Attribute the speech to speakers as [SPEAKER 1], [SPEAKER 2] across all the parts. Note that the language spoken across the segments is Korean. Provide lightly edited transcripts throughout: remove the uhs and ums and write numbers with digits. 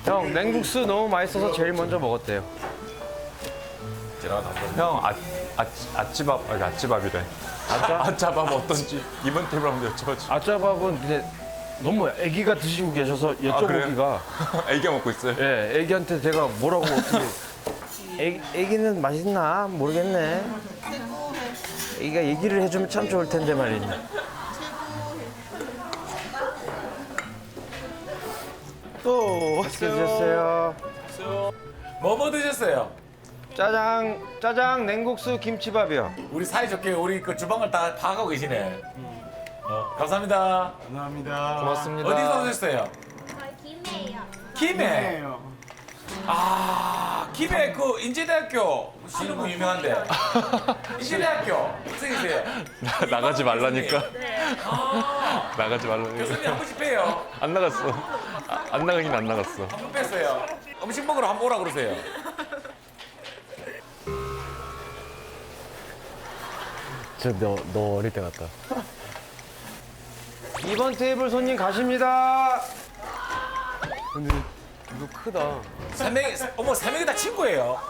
[SPEAKER 1] 형 냉국수 너무 맛있어서 제일 먼저 먹었대요.
[SPEAKER 2] 형 아찌밥 아니 아찌밥이래. 아짜밥 어떤지 이번 테이블 한번 여쭤보죠.
[SPEAKER 1] 아짜밥은 근데 너무 애기가 드시고 계셔서
[SPEAKER 2] 그래요?
[SPEAKER 1] 여쭤보기가
[SPEAKER 2] 애기가 먹고 있어요.
[SPEAKER 1] 예, 애기한테 제가 뭐라고 어떻게 애기는 맛있나 모르겠네. 애기가 얘기를 해주면 참 좋을 텐데 말이지.
[SPEAKER 3] 또
[SPEAKER 1] 맛있게 드셨어요.
[SPEAKER 4] 뭐 드셨어요?
[SPEAKER 1] 짜장 냉국수 김치밥이요.
[SPEAKER 4] 우리 사이좋게 우리 그 주방을 다 파악하고 계시네. 감사합니다.
[SPEAKER 3] 감사합니다.
[SPEAKER 2] 고맙습니다.
[SPEAKER 4] 어디서 오셨어요?
[SPEAKER 5] 김해요.
[SPEAKER 4] 김해. 아, 김해 그 인제대학교 신흥부 유명한데. 인제대학교 학생이세요?
[SPEAKER 2] 나가지 말라니까.
[SPEAKER 4] 아,
[SPEAKER 2] 나가지 말라니까.
[SPEAKER 4] 교수님 한 번씩 빼요.
[SPEAKER 2] 안 나갔어. 안 나가긴 안 나갔어.
[SPEAKER 4] 한 번 뺐어요. 음식 먹으러 한번 오라 그러세요.
[SPEAKER 1] 너 어릴 때 같다. 2번 테이블 손님 가십니다.
[SPEAKER 3] 근데 이거 크다.
[SPEAKER 4] 세 명이, 어머, 세 명이 다 친구예요.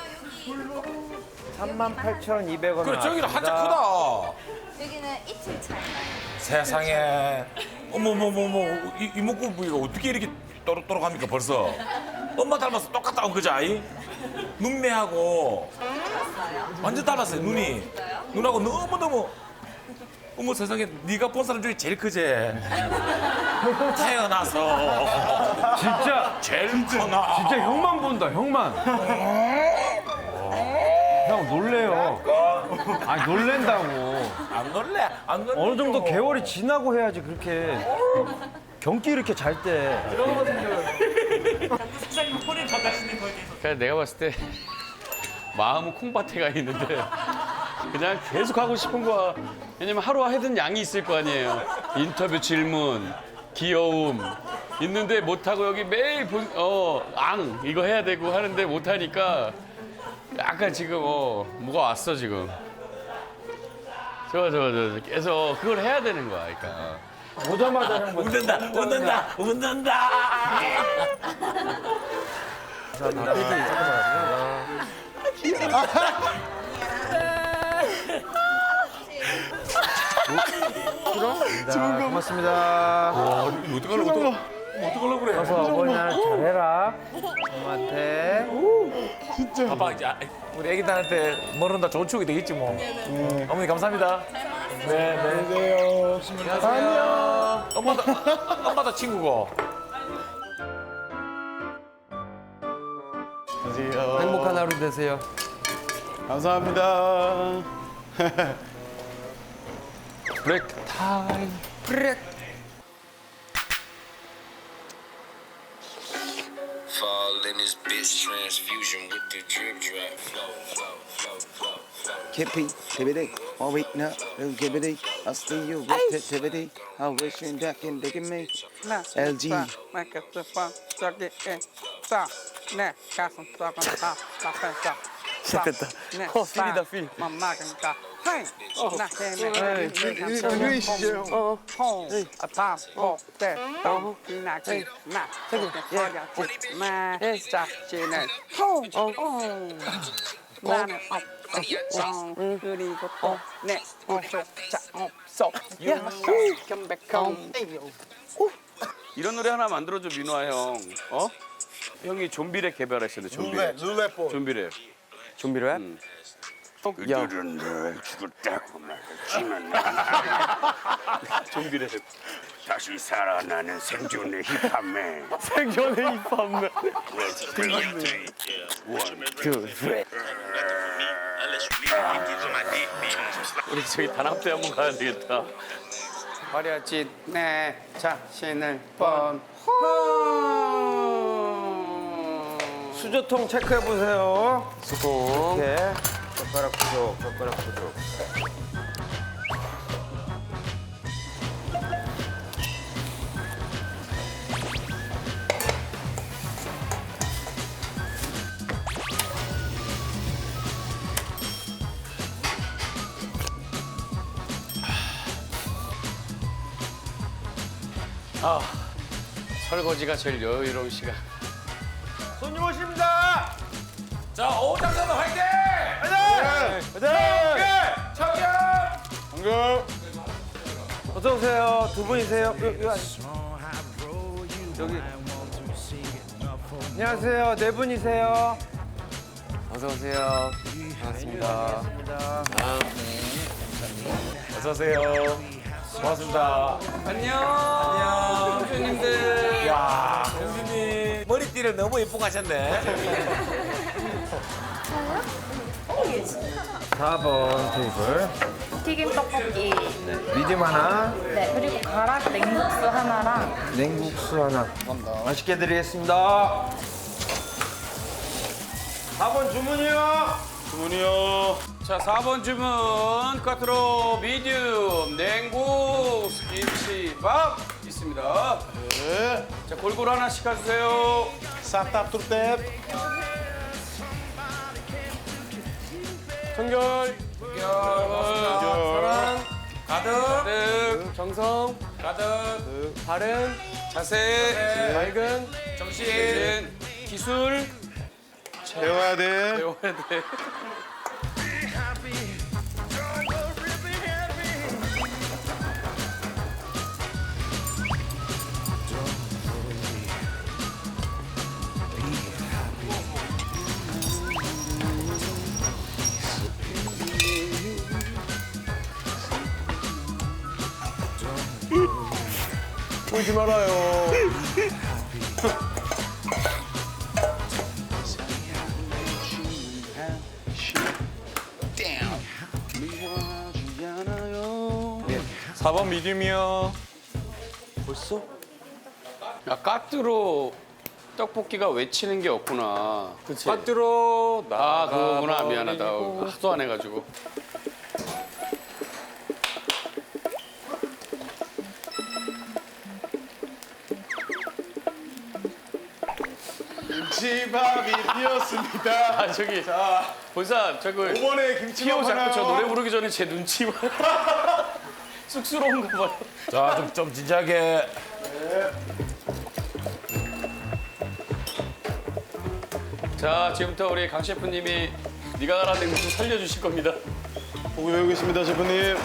[SPEAKER 1] 38,200원.
[SPEAKER 4] 그래, 저기는 한자 크다.
[SPEAKER 5] 여기는 이틀 차이 나요.
[SPEAKER 4] 세상에. 어머머머머, 이목구 부위가 어떻게 이렇게 또록또록합니까, 벌써? 엄마 닮아서 똑같다 온 거지, 아이? 눈매하고. 완전 닮았어요, 눈이. 눈하고 너무너무. 어머 세상에, 네가 본 사람 중에 제일 크지? 태어나서.
[SPEAKER 1] 진짜
[SPEAKER 4] 제일 크나.
[SPEAKER 1] 진짜 형만 본다 형만. 형 놀래요. 아니 놀랜다고.
[SPEAKER 4] 안 놀래, 안 놀래.
[SPEAKER 1] 어느 정도 개월이 지나고 해야지 그렇게 경기 이렇게 잘 때.
[SPEAKER 6] 그냥 내가 봤을 때 마음은 콩밭에 가 있는데 그냥 계속 하고 싶은 거야. 왜냐면 하루 하던 양이 있을 거 아니에요. 인터뷰 질문, 귀여움 있는데 못하고 여기 매일 앙 이거 해야 되고 하는데 못하니까 약간 지금 뭐가 왔어 지금. 좋아 계속 그걸 해야 되는 거야. 그러니까.
[SPEAKER 1] 오자마자 형
[SPEAKER 4] 웃는다.
[SPEAKER 1] 고맙습니다.
[SPEAKER 4] 어떡하려고 그래?
[SPEAKER 1] 어서 어버이날 잘해라. 엄마한테.
[SPEAKER 4] 아빠 이제 우리 애기들한테 모른다 좋은 추억이 되겠지 뭐. 어머니 감사합니다. 네.
[SPEAKER 3] 안녕하세요.
[SPEAKER 4] 안녕. 엄마도 친구고.
[SPEAKER 3] 안녕하세요.
[SPEAKER 1] 행복한 하루 되세요.
[SPEAKER 3] 감사합니다.
[SPEAKER 2] 브레이크 타임.
[SPEAKER 7] Fall in this bitch transfusion with the drip drop flow.
[SPEAKER 8] Kippy, tibbity, all week now, gibbity. I see you with tibbity. I wish you that can dig me. LG.
[SPEAKER 3] 시작됐다. 필이다, 필.
[SPEAKER 9] 나는 없어 그리고 또내 옷을 자 없어
[SPEAKER 6] 이런 노래 하나 만들어줘 민호아 형. 형이 좀비랩 개발하셨는데 좀비랩.
[SPEAKER 3] 룰렛볼.
[SPEAKER 6] 좀비랩.
[SPEAKER 1] 좀비랩?
[SPEAKER 6] 그들은 널 죽었다고 말했지만 좀비랩. 다시 살아나는 생존의 힙합맨.
[SPEAKER 3] 생존의 힙합맨.
[SPEAKER 6] 우리 저기 단합대 한번 가야 되겠다.
[SPEAKER 9] 버려진 내 자신을 뻔
[SPEAKER 1] 수저통 체크해 보세요.
[SPEAKER 2] 수고.
[SPEAKER 1] 이렇게 젓가락 부족.
[SPEAKER 6] 설거지가 제일 여유로운 시간.
[SPEAKER 1] 손님 오십니다.
[SPEAKER 4] 자, 오장선은 화이팅! 청년!
[SPEAKER 1] 어서 오세요. 두 분이세요? 여기. 안녕하세요. 네 분이세요.
[SPEAKER 3] 어서 오세요. 반갑습니다.
[SPEAKER 4] 어서 오세요. 고맙습니다.
[SPEAKER 9] 안녕. 교수님들.
[SPEAKER 4] 야, 형수님 머리띠를 너무 예쁘게 하셨네.
[SPEAKER 1] 4번 테이블.
[SPEAKER 10] 튀김 떡볶이.
[SPEAKER 1] 미디움 하나,
[SPEAKER 10] 네, 그리고 가락 냉국수 하나랑
[SPEAKER 1] 냉국수 하나. 맛있게 드리겠습니다. 4번 주문이요.
[SPEAKER 6] 자, 4번 주문 꽈트로 미디움 냉국수 김치밥 있습니다. 네. 자, 골고루 하나씩 가주세요.
[SPEAKER 3] 청결.
[SPEAKER 6] 사랑
[SPEAKER 4] 가득,
[SPEAKER 6] 가득
[SPEAKER 3] 정성.
[SPEAKER 6] 가득
[SPEAKER 3] 바른.
[SPEAKER 6] 자세
[SPEAKER 3] 맑은.
[SPEAKER 4] 정신.
[SPEAKER 6] 기술
[SPEAKER 3] 배워야 돼.
[SPEAKER 6] 배워야 돼.
[SPEAKER 3] 울지 말아요.
[SPEAKER 2] 사 번 미디움이요.
[SPEAKER 6] 야, 까뜨로 떡볶이가 외치는 게 없구나.
[SPEAKER 2] 빠뜨로
[SPEAKER 6] 아, 그거구나. 미안하다. 하도 안 해가지고.
[SPEAKER 3] 김치밥이 되었습니다.
[SPEAKER 6] 아, 저기 본사 저거
[SPEAKER 3] 5번에
[SPEAKER 6] 피오
[SPEAKER 3] 김치밥
[SPEAKER 6] 자꾸 저
[SPEAKER 3] 하나요.
[SPEAKER 6] 노래 부르기 전에 제 눈치 봐. 쑥스러운가 봐요.
[SPEAKER 4] 자, 좀 진지하게.
[SPEAKER 6] 자, 지금부터 우리 강 셰프님이 네가 가라 냉국수 살려주실 겁니다.
[SPEAKER 3] 보고 배우겠습니다, 셰프님.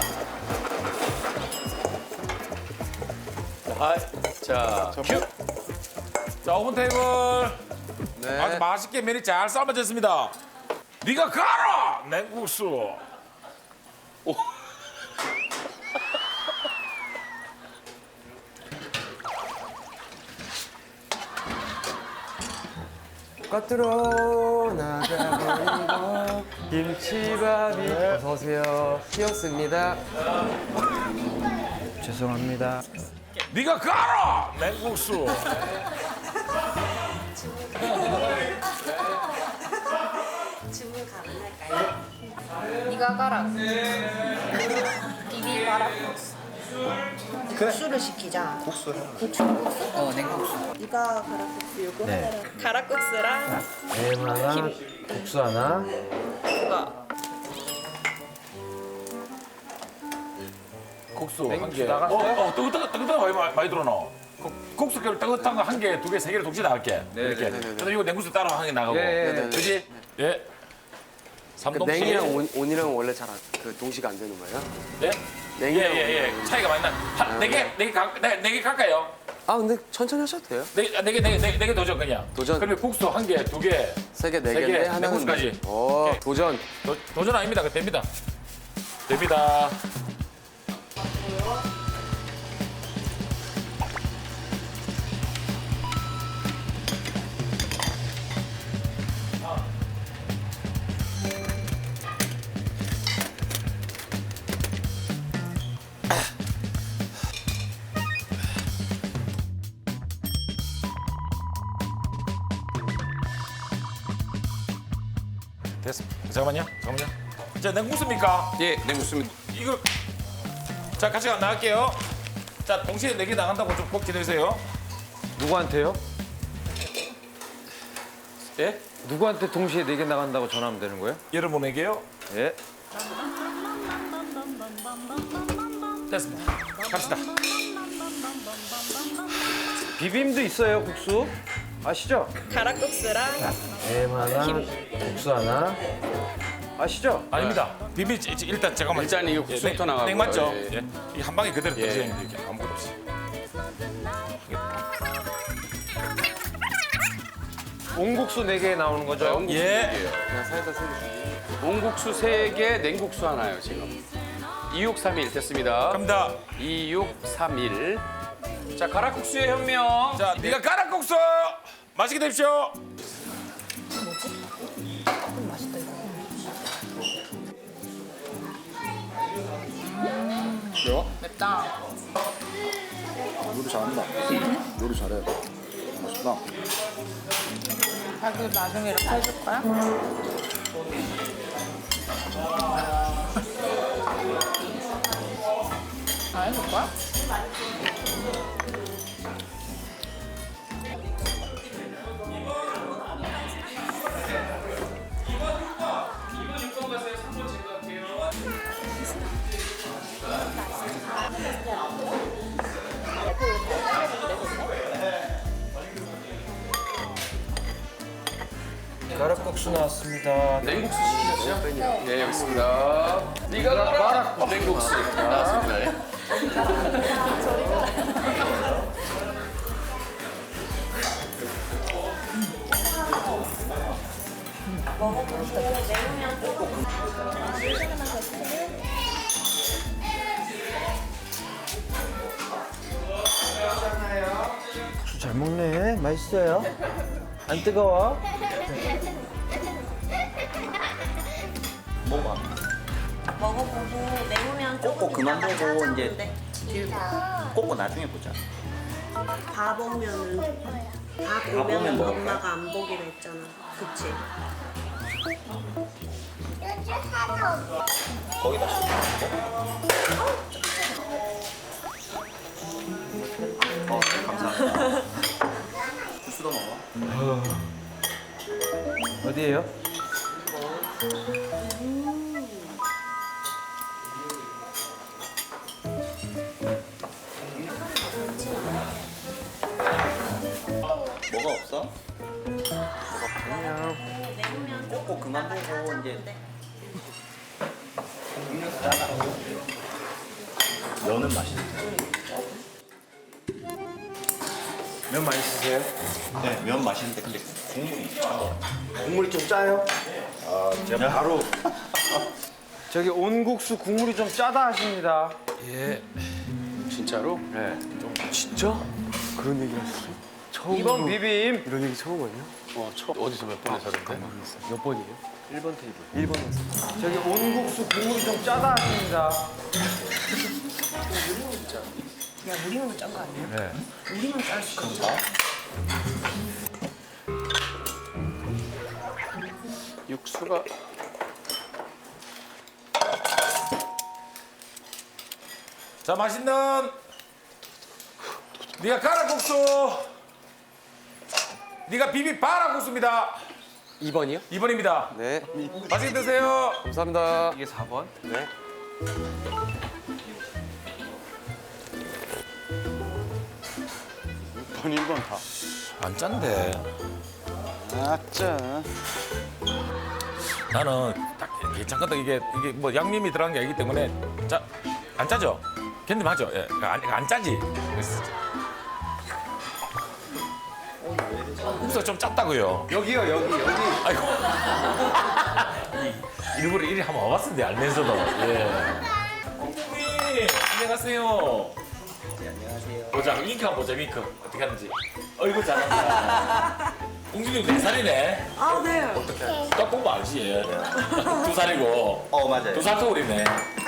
[SPEAKER 6] 자, 큐.
[SPEAKER 4] 자, 5번 테이블. 아주 맛있게 면이 잘 삶아졌습니다. 네가 가라! 냉국수.
[SPEAKER 3] 겉으로 나가버리고 김치밥이 어서 오세요. 튀었습니다.
[SPEAKER 1] 죄송합니다.
[SPEAKER 4] 네가 가라! 냉국수.
[SPEAKER 10] 네가 가라. 비비 가락 국수. 국수를 시키자. 국수. 냉국수. 네가 가락국수 요거
[SPEAKER 1] 네.
[SPEAKER 10] 하나랑. 가락국수랑
[SPEAKER 1] 햄 하나, 국수 하나.
[SPEAKER 10] 그거.
[SPEAKER 4] 국수 한 개. 뜨뜻한 많이 들어놔. 국수 뜨뜻한 거 한 개, 두 개, 세 개를 동시에 나갈게. 이렇게. 그래서 이거 냉국수 따로 한 개 나가고. 그지? 예. 삼동씨.
[SPEAKER 3] 냉이랑 온이랑 원래 잘 동시가 안 되는 거예요?
[SPEAKER 4] 예?
[SPEAKER 3] 냉이랑
[SPEAKER 4] 예. 차이가 많이 나. 네 개 갈까요?
[SPEAKER 3] 아 근데 천천히 하셔도 돼요.
[SPEAKER 4] 네 개 도전 그냥.
[SPEAKER 3] 도전.
[SPEAKER 4] 그러면 국수 한 개, 두 개.
[SPEAKER 3] 세 개, 네
[SPEAKER 4] 세 개,
[SPEAKER 3] 개인데 하나는
[SPEAKER 4] 냉국수까지.
[SPEAKER 3] 오, 도전.
[SPEAKER 4] 도전 아닙니다. 그 됩니다. 됩니다. 됐습니다. 잠깐만요. 자, 냉국수입니까?
[SPEAKER 6] 예, 냉국수입니다.
[SPEAKER 4] 이거 자 같이 나갈게요. 자 동시에 4개 나간다고 좀 꼭 기다리세요.
[SPEAKER 1] 누구한테요?
[SPEAKER 6] 예?
[SPEAKER 1] 누구한테 동시에 4개 나간다고 전화하면 되는 거예요?
[SPEAKER 4] 여러분에게요.
[SPEAKER 1] 예.
[SPEAKER 4] 됐습니다. 갑시다.
[SPEAKER 1] 비빔도 있어요, 국수? 아시죠?
[SPEAKER 10] 가락국수랑
[SPEAKER 1] 햄 하나, 국수 하나. 아시죠?
[SPEAKER 4] 아닙니다. 비비 일단 잠깐만.
[SPEAKER 6] 일단 이게 국수부터 나가고요.
[SPEAKER 4] 냉 맞죠?
[SPEAKER 6] 예.
[SPEAKER 4] 예. 이 한 방에 그대로
[SPEAKER 6] 예.
[SPEAKER 4] 드시는 게 이렇게 아무것도 없이.
[SPEAKER 1] 온국수 4개 나오는 거죠?
[SPEAKER 6] 온국수
[SPEAKER 4] 예.
[SPEAKER 6] 4개요.
[SPEAKER 3] 그냥 사이다 3개.
[SPEAKER 6] 온국수 3개, 냉국수 하나요, 지금. 2631 됐습니다.
[SPEAKER 4] 갑니다.
[SPEAKER 6] 2631. 자, 가락국수의 혁명.
[SPEAKER 4] 자, 네가 가락국수 맛있게 드십시오.
[SPEAKER 10] 맵다.
[SPEAKER 8] 요리 잘한다. 요리 잘해. 맛있다.
[SPEAKER 10] 자기 나중에 이렇게 해줄 거야? 다 해줄 거야?
[SPEAKER 1] 가락국수 나왔습니다.
[SPEAKER 6] 냉국수 시키셨죠? 네, 여기 있습니다. 네가 가락 냉국수 나왔습니다. 예.
[SPEAKER 1] 국수 잘 먹네. 맛있어요. 안 뜨거워?
[SPEAKER 10] 먹어보고 매우면 조금
[SPEAKER 8] 꼭 그만
[SPEAKER 10] 이따가
[SPEAKER 8] 보고
[SPEAKER 10] 찾아오는데.
[SPEAKER 8] 꼭 나중에 보자.
[SPEAKER 11] 밥 오면은 밥
[SPEAKER 8] 보면
[SPEAKER 11] 오면은
[SPEAKER 8] 먹을까?
[SPEAKER 11] 엄마가 안 보기로 했잖아. 그치?
[SPEAKER 8] 거기다 감사합니다. 주스도 먹어.
[SPEAKER 1] 어디에요?
[SPEAKER 8] 뭐가 없어?
[SPEAKER 1] 안녕.
[SPEAKER 8] 꼭 그만 보고 이제 면은 맛있는데.
[SPEAKER 1] 면 맛있으세요?
[SPEAKER 8] 네, 면 맛있는데 근데 국물이
[SPEAKER 1] 국물이 좀 짜요?
[SPEAKER 8] 제가 바로
[SPEAKER 1] 저기 온국수 국물이 좀 짜다 하십니다.
[SPEAKER 4] 예.
[SPEAKER 6] 진짜로?
[SPEAKER 1] 네.
[SPEAKER 3] 진짜? 그런 얘기 하셨어요? 처음
[SPEAKER 1] 2번 비빔.
[SPEAKER 3] 이런 얘기 처음 아니야?
[SPEAKER 6] 어디서 몇 번에 사는데?
[SPEAKER 3] 몇 번이에요? 1번 테이블. 1번이었어.
[SPEAKER 1] 저기 온국수 국물이 좀 짜다 하십니다.
[SPEAKER 10] 야, 우리만 짠 거 아니야?
[SPEAKER 4] 네.
[SPEAKER 10] 우리만 짤 수 있어.
[SPEAKER 6] 육수가
[SPEAKER 4] 자, 맛있는 네가 가락국수. 네가 비비 바락국수입니다.
[SPEAKER 3] 2번이요?
[SPEAKER 4] 2번입니다.
[SPEAKER 3] 네.
[SPEAKER 4] 맛있게 드세요.
[SPEAKER 3] 감사합니다.
[SPEAKER 1] 이게 4번.
[SPEAKER 3] 네.
[SPEAKER 8] 번 1번 다.
[SPEAKER 4] 안 짠데.
[SPEAKER 8] 아짜.
[SPEAKER 4] 나는 딱 괜찮거든. 이게 뭐 양념이 들어간 게 아니기 때문에 안 짜죠? 견dim하죠? 예. 안 짜지? 국수가 좀 짰다고요.
[SPEAKER 1] 여기요, 여기.
[SPEAKER 4] 아이고. 일부러 이리 한번 와봤는데 알면서도. 예. 공주님, 안녕하세요. 안녕하세요. 보자, 윙크 한번 보자, 윙크. 어떻게 하는지. 어이구, 잘한다. 공주님 4살이네.
[SPEAKER 11] 아, 네.
[SPEAKER 4] 어떡해. 딱 보면 알지, 예. 2살이고.
[SPEAKER 8] 맞아요.
[SPEAKER 4] 2살 터울이네.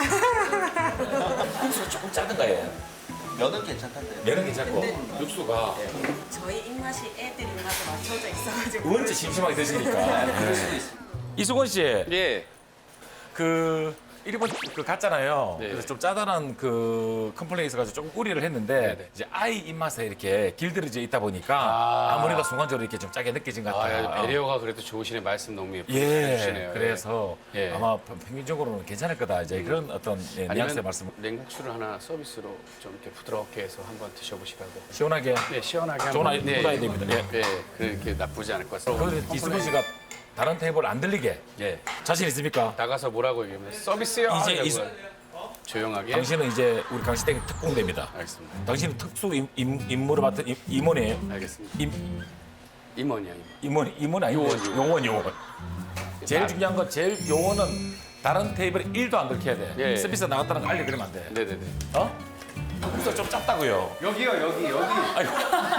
[SPEAKER 4] 국수가 조금 짜든가, 예.
[SPEAKER 8] 면은 괜찮던데.
[SPEAKER 4] 면은 괜찮고, 육수가
[SPEAKER 11] 저희 입맛이 애들 입맛에 맞춰져 있어가지고.
[SPEAKER 4] 원체 심심하게 드시니까. 이수건 씨,
[SPEAKER 6] 예.
[SPEAKER 4] 그 1번 그 갔잖아요.
[SPEAKER 6] 네.
[SPEAKER 4] 그래서 좀 짜다란 그 컴플레인이 있어가지고 조금 우려를 했는데
[SPEAKER 6] 네.
[SPEAKER 4] 이제 아이 입맛에 이렇게 길들여져 있다 보니까 아무래도 순간적으로 이렇게 좀 짜게 느껴진 것 같아요.
[SPEAKER 6] 배려가 그래도 좋으시네. 말씀 너무 예쁘게
[SPEAKER 4] 예,
[SPEAKER 6] 해주시네요.
[SPEAKER 4] 그래서
[SPEAKER 6] 예.
[SPEAKER 4] 아마 평균적으로는 괜찮을 거다. 이제 그런 어떤 예, 뉘앙스의
[SPEAKER 6] 아니면
[SPEAKER 4] 말씀.
[SPEAKER 6] 냉국수를 하나 서비스로 좀 이렇게 부드럽게 해서 한번 드셔보시라고.
[SPEAKER 4] 시원하게.
[SPEAKER 6] 네, 시원하게
[SPEAKER 4] 좋은
[SPEAKER 6] 한번.
[SPEAKER 4] 아이 묻어야 됩니다. 예.
[SPEAKER 6] 네, 그렇게 나쁘지 않을 것 같습니다.
[SPEAKER 4] 그런데 이수근 씨가 다른 테이블 안 들리게
[SPEAKER 6] 예.
[SPEAKER 4] 자신 있습니까?
[SPEAKER 6] 나가서 뭐라고 얘기하면 서비스요.
[SPEAKER 4] 이제
[SPEAKER 6] 이러고 조용하게.
[SPEAKER 4] 당신은 이제 우리 강시댁 특공대입니다.
[SPEAKER 6] 알겠습니다.
[SPEAKER 4] 당신은 특수 임무를 맡은 임원이에요.
[SPEAKER 6] 알겠습니다.
[SPEAKER 4] 임원
[SPEAKER 6] 임원이요.
[SPEAKER 4] 아니고
[SPEAKER 6] 요원.
[SPEAKER 4] 요원. 제일 중요한 건 제일 요원은 다른 테이블에 1도 안 들켜야 돼.
[SPEAKER 6] 예.
[SPEAKER 4] 서비스 나갔다는 거 알려드리면 안 돼.
[SPEAKER 6] 네네네.
[SPEAKER 4] 어? 그래서 좀 작다고요.
[SPEAKER 9] 여기요, 여기.
[SPEAKER 4] 아이고.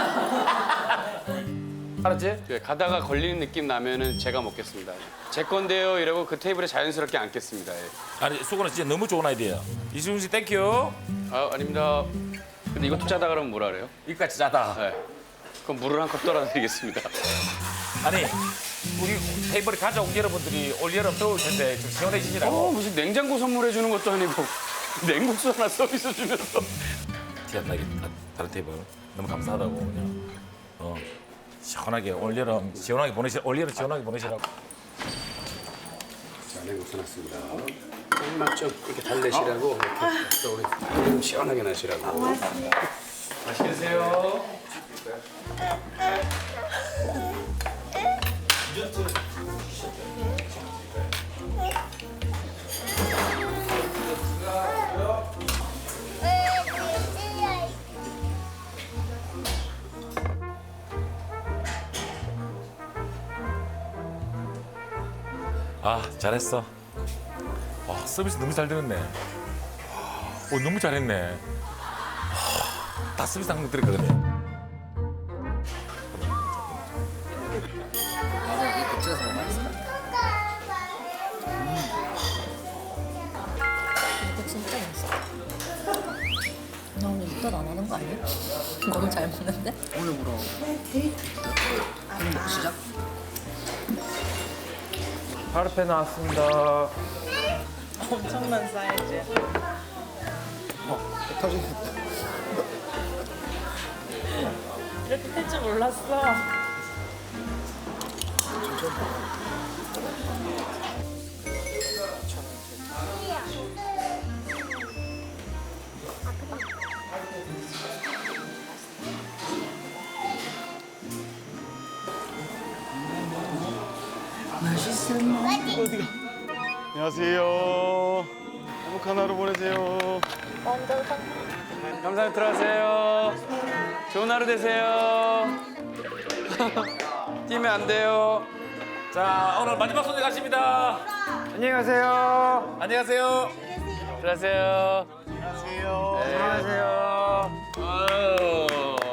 [SPEAKER 4] 알았지?
[SPEAKER 6] 네, 가다가 걸리는 느낌 나면은 제가 먹겠습니다. 제 건데요. 이러고 그 테이블에 자연스럽게 앉겠습니다. 예.
[SPEAKER 4] 아니 수건은 진짜 너무 좋은 아이디어야. 이수근 씨 땡큐.
[SPEAKER 6] 아, 아닙니다. 근데 이것도 짜다 그러면 뭐라 그래요?
[SPEAKER 4] 이까지 짜다.
[SPEAKER 6] 네. 그럼 물을 한 컵 떨어드리겠습니다.
[SPEAKER 4] 아니 우리 테이블에 가져온 여러분들이 올 여름 더울 텐데 좀 시원해지시라고.
[SPEAKER 6] 무슨 냉장고 선물해 주는 것도 아니고 냉국수 하나 서비스 주면서.
[SPEAKER 4] 티안 나게 다른 테이블 너무 감사하다고 그냥 시원하게 올 여름 시원하게 보내시라고.
[SPEAKER 6] 자, 냉국수 났습니다. 맛 좀 이렇게 달래시라고 이렇게 또 우리 좀 시원하게 나시라고. 맛있게 드세요.
[SPEAKER 4] 아 잘했어. 와 서비스 너무 잘 되었네. 너무 잘했네. 다 서비스 한번 드렸거든요.
[SPEAKER 11] 이거 진짜 맛있어. 나 오늘 입덧 안 하는 거 아니야? 너무 잘 먹는데?
[SPEAKER 3] 오늘 물어. 오늘 먹고 시작.
[SPEAKER 1] 파르페 나왔습니다.
[SPEAKER 9] 엄청난 사이즈.
[SPEAKER 3] 터지겠다.
[SPEAKER 9] 이렇게 될 줄 몰랐어.
[SPEAKER 3] 안녕하세요. 행복한 하루 보내세요.
[SPEAKER 6] 감사합니다. 들어가세요. 좋은 하루 되세요. 뛰면 안 돼요.
[SPEAKER 4] 자 오늘 마지막 손님 가십니다.
[SPEAKER 1] 안녕히 가세요.
[SPEAKER 4] 안녕하세요.
[SPEAKER 6] 들어가세요.
[SPEAKER 3] 안녕하세요.
[SPEAKER 6] 네. 안녕하세요. 아유.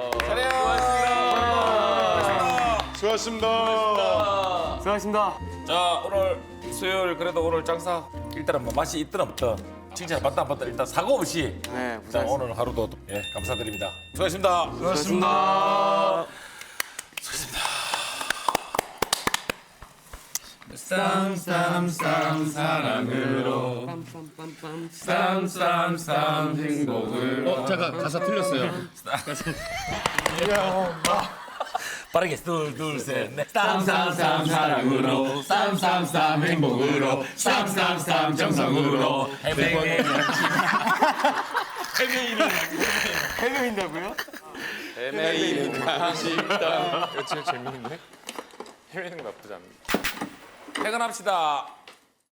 [SPEAKER 3] 수고하셨습니다.
[SPEAKER 1] 수고하셨습니다.
[SPEAKER 4] 자 오늘 수요일 그래도 오늘 장사 일단은 뭐 맛이 있든 없든 칭찬 받다 안 받다 일단 사고 없이
[SPEAKER 3] 네,
[SPEAKER 4] 자 오늘 하루도 예 감사드립니다. 수고하셨습니다.
[SPEAKER 3] 수고하셨습니다.
[SPEAKER 6] 쌈쌈쌈 사랑으로 쌈쌈쌈 행복을.
[SPEAKER 3] 잠깐 가사 틀렸어요.
[SPEAKER 4] 빠르게 둘셋넷
[SPEAKER 6] 쌈쌈쌈 사랑으로 쌈쌈쌈 행복으로 쌈쌈쌈 정성으로
[SPEAKER 3] 해명인다고요?
[SPEAKER 6] 헤매이는 감식당.
[SPEAKER 2] 이거 진짜 재밌는데? 헤매는 거 나쁘지 않네.
[SPEAKER 4] 퇴근합시다.